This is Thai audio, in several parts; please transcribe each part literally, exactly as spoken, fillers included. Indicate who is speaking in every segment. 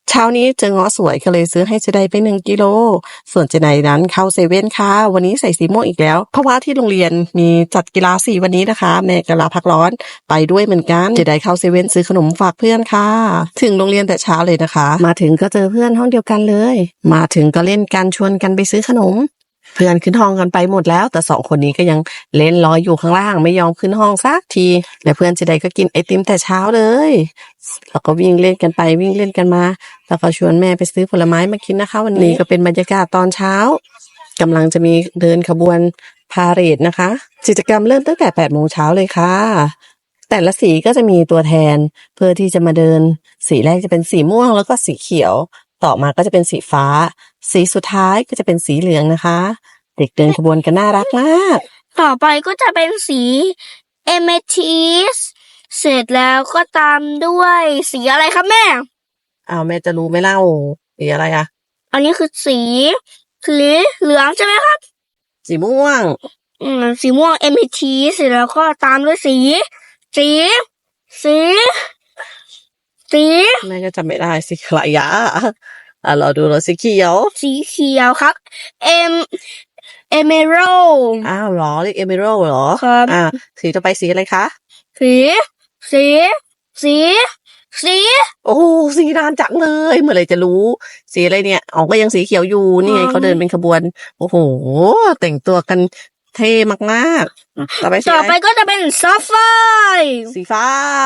Speaker 1: เช้านี้เจอเงาะสวยก็เลยซื้อให้เจไดไปหนึ่งกิโลส่วนเจไดนั้นเข้าเซเว่นค่ะวันนี้ใส่สีม่วงอีกแล้วเพราะว่าที่โรงเรียนมีจัดกีฬาสีวันนี้นะคะแม่ก็ลาพักร้อนไปด้วยเหมือนกันเจไดเข้าเซเว่นซื้อขนมฝากเพื่อนค่ะถึงโรงเรียนแต่เช้าเลยนะคะมาถึงก็เจอเพื่อนห้องเดียวกันเลยมาถึงก็เล่นกันชวนกันไปซื้อขนมเพื่อนขึ้นห้องกันไปหมดแล้วแต่สองคนนี้ก็ยังเล่นรออยู่ข้างล่างไม่ยอมขึ้นห้องสักทีและเพื่อนเจไดก็กินไอติมแต่เช้าเลยแล้วก็วิ่งเล่นกันไปวิ่งเล่นกันมาแล้วก็ชวนแม่ไปซื้อผลไม้มากินนะคะวันนี้ก็เป็นบรรยากาศตอนเช้ากำลังจะมีเดินขบวนพาเหรดนะคะกิจกรรมเริ่มตั้งแต่แปดโมงเช้าเลยค่ะแต่ละสีก็จะมีตัวแทนเพื่อที่จะมาเดินสีแรกจะเป็นสีม่วงแล้วก็สีเขียวต่อมาก็จะเป็นสีฟ้าสีสุดท้ายก็จะเป็นสีเหลืองนะคะเด็กเดินขบวนกันน่ารักมาก
Speaker 2: ต่อไปก็จะเป็นสีเอเมทิสเสร็จแล้วก็ตามด้วยสีอะไรครับแม่
Speaker 1: อ้าวแม่จะรู้ไหมเล่าสีอะไรอ่ะ
Speaker 2: อันนี้คือสีสีเหลืองใช่ไหมครับ
Speaker 1: สีม่วง
Speaker 2: อืมสีม่วงเอเมทิสเสร็จแล้วก็ตามด้วยสีสีสีสี
Speaker 1: แม่ก็จำไม่ได้สีอะไรอ่ะอ่ะรอดูรอสีเขียว
Speaker 2: สีเขียวครับเอมเอเมโร
Speaker 1: อ้าวหรอเรียกเอเมโรเหรอ
Speaker 2: ครับ
Speaker 1: อ่าสีต่อไปสีอะไรคะ
Speaker 2: สีสีสีสี
Speaker 1: โอ้สีนานจังเลยเมื่อไรจะรู้สีอะไรเนี่ยอ๋อก็ยังสีเขียวอยู่นี่ไงเขาเดินเป็นขบวนโอ้โหแต่งตัวกันเท่มากๆต่อไป
Speaker 2: ต่อไปก็จะเป็นซัฟไฟ
Speaker 1: สีฟ้า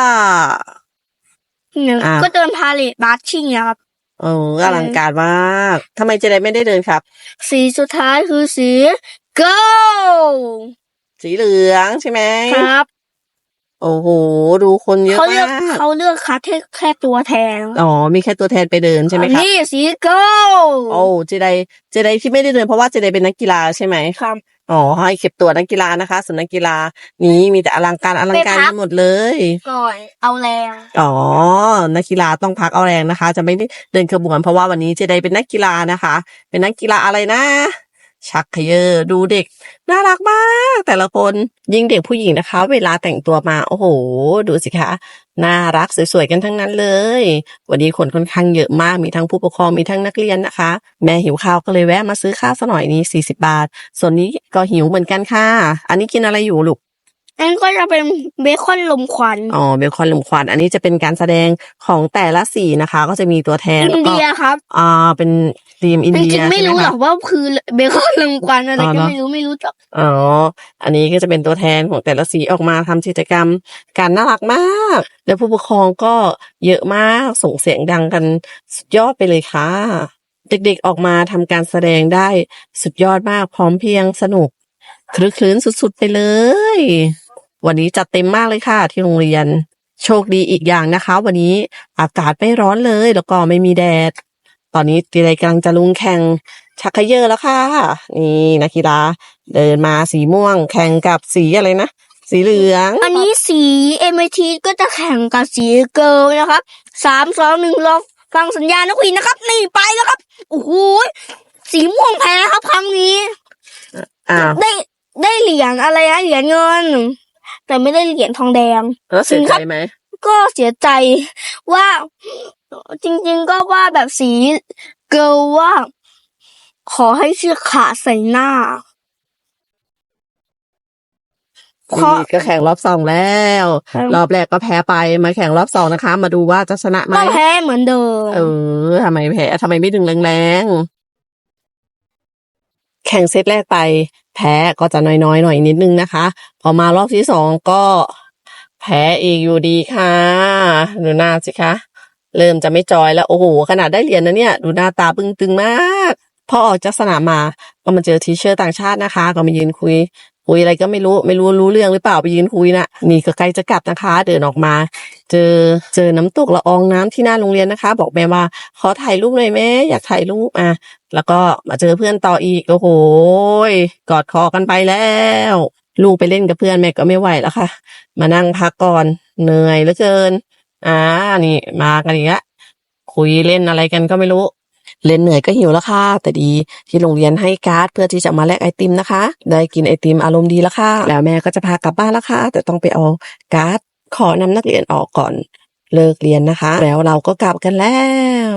Speaker 2: ก็เดินพาเลทบาร์ชิ่งครับ
Speaker 1: โอ้อลังการมากทำไมเจไดไม่ได้เดินครับ
Speaker 2: สีสุดท้ายคือสีโกล
Speaker 1: สีเหลืองใช่ไหม
Speaker 2: ครับ
Speaker 1: โอ้โหดูคนเยอะมาก
Speaker 2: เขาเลือกคัดแค่แค่ตัวแทน
Speaker 1: อ๋อมีแค่ตัวแทนไปเดินใช่ไหมครับ
Speaker 2: นี่สีโกล
Speaker 1: โอ้เจไดเจไดที่ไม่ได้เดินเพราะว่าเจไดเป็นนักกีฬาใช่ไหม
Speaker 2: ครับ
Speaker 1: อ๋อให้เก็บตัวนักกีฬานะคะส่วนนักกีฬานี้มีแต่อลังการอลังการหมดเลย
Speaker 2: ก่อนเอาแรง
Speaker 1: อ๋อนักกีฬาต้องพักเอาแรงนะคะจะไม่ได้เดินขบวนเพราะว่าวันนี้เจไดเป็นนักกีฬานะคะเป็นนักกีฬาอะไรนะชักเขยอดูเด็กน่ารักมากแต่ละคนยิ่งเด็กผู้หญิงนะคะเวลาแต่งตัวมาโอ้โหดูสิคะน่ารักสวยๆกันทั้งนั้นเลยวันนี้คนค่อนข้างเยอะมากมีทั้งผู้ปกครองมีทั้งนักเรียนนะคะแม่หิวข้าวก็เลยแวะมาซื้อข้าวซะหน่อยนี้สี่สิบบาทส่วนนี้ก็หิวเหมือนกันค่ะอันนี้กินอะไรอยู่ลูก
Speaker 2: อันก็จะเป็นเบคอนลมควัน
Speaker 1: อ๋อเบคอนลมควันอันนี้จะเป็นการแสดงของแต่ละสีนะคะก็จะมีตัวแทน
Speaker 2: อินเดียครับ
Speaker 1: อ่าเป็นทีมอินเดีย
Speaker 2: ไม่รู้หรอกว่าคือเบคอนลมควันอะไรก็ไม่รู้ไม่รู้จัก
Speaker 1: อ๋ออันนี้ก็จะเป็นตัวแทนของแต่ละสีออกมาทำกิจกรรมการน่ารักมากแล้วผู้ปกครองก็เยอะมากส่งเสียงดังกันสุดยอดไปเลยค่ะเด็กๆออกมาทำการแสดงได้สุดยอดมากพร้อมเพรียงสนุกคลึกคลื้นสุดๆไปเลยวันนี้จัดเต็มมากเลยค่ะที่โรงเรียนโชคดีอีกอย่างนะคะวันนี้อากาศไม่ร้อนเลยแล้วก็ไม่มีแดดตอนนี้ตีไรกำลังจะลงแข่งชักเขย่อแล้วค่ะนี่นักกีฬาเดินมาสีม่วงแข่งกับสีอะไรนะสีเหลือง
Speaker 2: อันนี้สีเอเมทีก็จะแข่งกับสีเกิร์ลนะครับสามสองหนึ่งลองฟังสัญญาณนักวิ่งนะครับนี่ไปแล้วครับโอ้โหสีม่วงแพ้ครับครั้งนี้ได้ได้เหรียญอะไรนะเหรียญเงินแต่ไม่ได้เหรียญทองแดง
Speaker 1: แล้วเสียใจไหม
Speaker 2: ก็เสียใจว่าจริงๆก็ว่าแบบสีเกิร์ลว่าขอให้เชือกขาดใส่หน้า
Speaker 1: นี่ก็แข่งรอบสองแล้วรอบแรกก็แพ้ไปมาแข่งรอบสองนะคะมาดูว่าจะชนะไหม
Speaker 2: ก็แพ้เหมือนเดิม
Speaker 1: เออทำไมแพ้ทำไมไม่ดึงแรงๆแข่งเซตแรกไปแพ้ก็จะน้อยๆหน่อยนิดนึงนะคะพอมารอบที่สองก็แพ้อีกอยู่ดีค่ะดูหน้าสิคะเริ่มจะไม่จอยแล้วโอ้โหขนาดได้เหรียญนะเนี่ยดูหน้าตาบึ้งตึงมากพอออกจากสนามมาก็มาเจอทีเชอร์ต่างชาตินะคะก็มายืนคุยคุยอะไรก็ไม่รู้ไม่รู้รู้เรื่องหรือเปล่าไปยืนคุยนะนี่ก็ใกล้จะกลับนะคะเดินออกมาเจอเจอน้ำตกละอองน้ำที่หน้าโรงเรียนนะคะบอกแม่ว่าขอถ่ายรูปหน่อยแม่อยากถ่ายรูปอ่ะแล้วก็มาเจอเพื่อนต่ออีกโอ้โหกอดคอกันไปแล้วลูกไปเล่นกับเพื่อนแม่ก็ไม่ไหวแล้วค่ะมานั่งพักก่อนเหนื่อยเหลือเกินอ่านี่มากันอีกแล้วคุยเล่นอะไรกันก็ไม่รู้เล่นเหนื่อยก็หิวแล้วค่ะแต่ดีที่โรงเรียนให้การ์ดเพื่อที่จะมาแลกไอติมนะคะได้กินไอติมอารมณ์ดีแล้วค่ะแล้วแม่ก็จะพากลับบ้านแล้วค่ะแต่ต้องไปเอาการ์ดขอนำนักเรียนออกก่อนเลิกเรียนนะคะแล้วเราก็กลับกันแล้ว